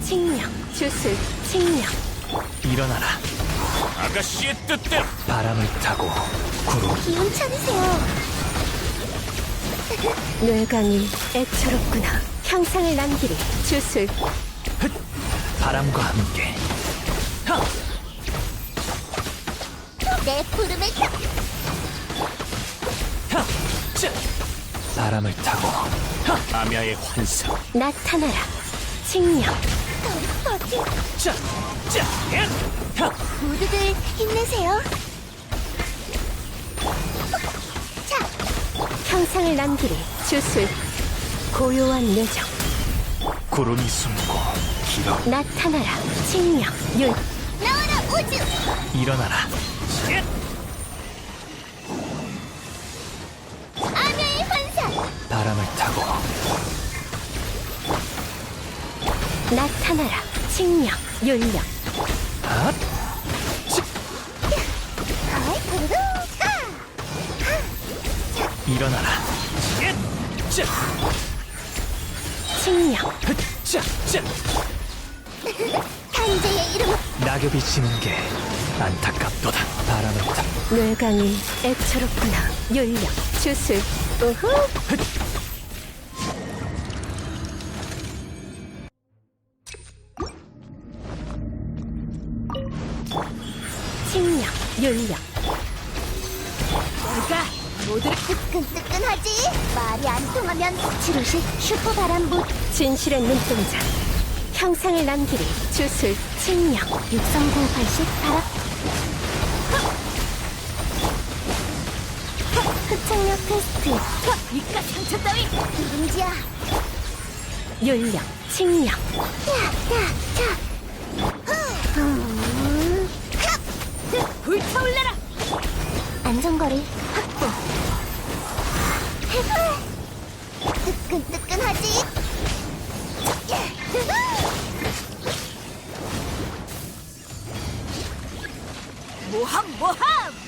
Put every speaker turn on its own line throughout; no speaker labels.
칙령, 주술, 칙령.
일어나라.
아가씨의 뜻대로.
바람을 타고 구름.
기운 차리세요. 뇌강이 애처롭구나. 형상을 남기리. 주술.
바람과 함께.
내 부름을 타.
바람을 타고
아미아의 환상.
나타나라. 칙령. 모두들 힘내세요. 자, 형상을 남기리. 주술. 고요한 뇌정.
구름이 숨고 길어.
나타나라. 칙령. 율. 나와라 우주.
일어나라.
아미의 환상.
바람을 타고
나타나라. 칙령. 율령.
핫! 일어나라.
칙령. 탄재의 이름은
낙엽이 지는 게 안타깝도다. 바람을 타.
뇌강이 애처롭구나. 율령. 주술. 우후. 칙령. 율령. 내가 모두를 뜨끈뜨끈하지. 말이 안 통하면 지루식 슈퍼바람부. 진실의 눈동자. 형상을 남기리. 주술. 칙령. 63080 바람. 흡착력 테스트. 이깟 상처 따위 누룽지야. 율령. 칙령. 불타올라라. 안전거리 확보. 뜨끈뜨끈하지. 모함.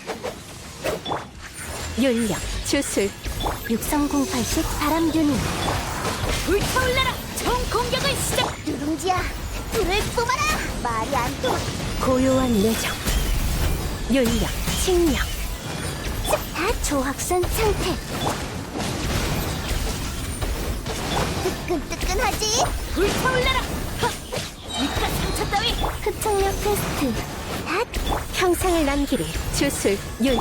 율령. 주술. 63080 바람균이. 불타올라라. 총 공격을 시작. 누룽지야, 불을 뿜어라. 말이 안 통해. 고요한 내정. 율령. 칙령. 다 조합선 상태. 뜨끈뜨끈하지. 불타올라라. 이깟 상처 따위. 흡착력 테스트. 핫. 형상을 남기리. 주술. 율.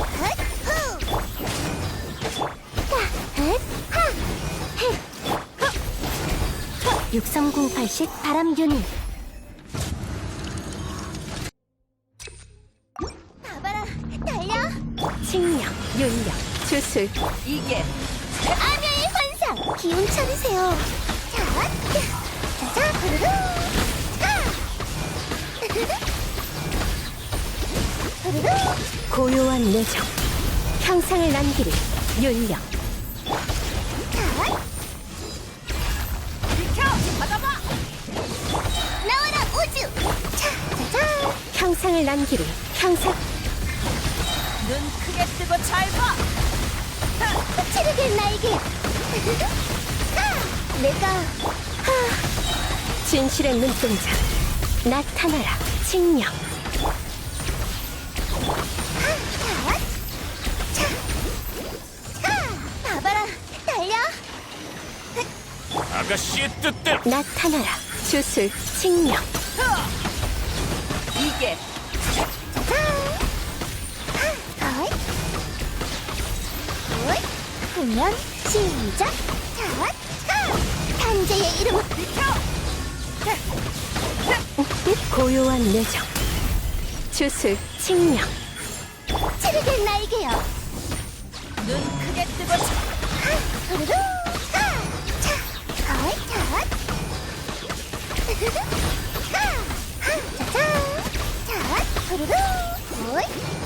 63080 바람균이. 봐봐라, 달려. 칙령. 율령. 주술. 이게 아미의 환상. 기운 차리세요. 자, 부르르. 부르르. 고요한 내정. 형상을 남기리. 율령. 나와라 우주. 자. 형상을 남기리. 형상. 눈 크게 뜨고 잘 봐. 체력의 날개. 내가 진실의 눈동자. 나타나라. 칙령. 봐봐라, 달려.
아가씨의 뜻대로.
나타나라. 주술. 칙령.
이게
공연 시작. 탄재의 이름은 고요한 내정. 주술. 칙령. 체력의 날개요.
눈 크게 뜨고
부르르. 부르르.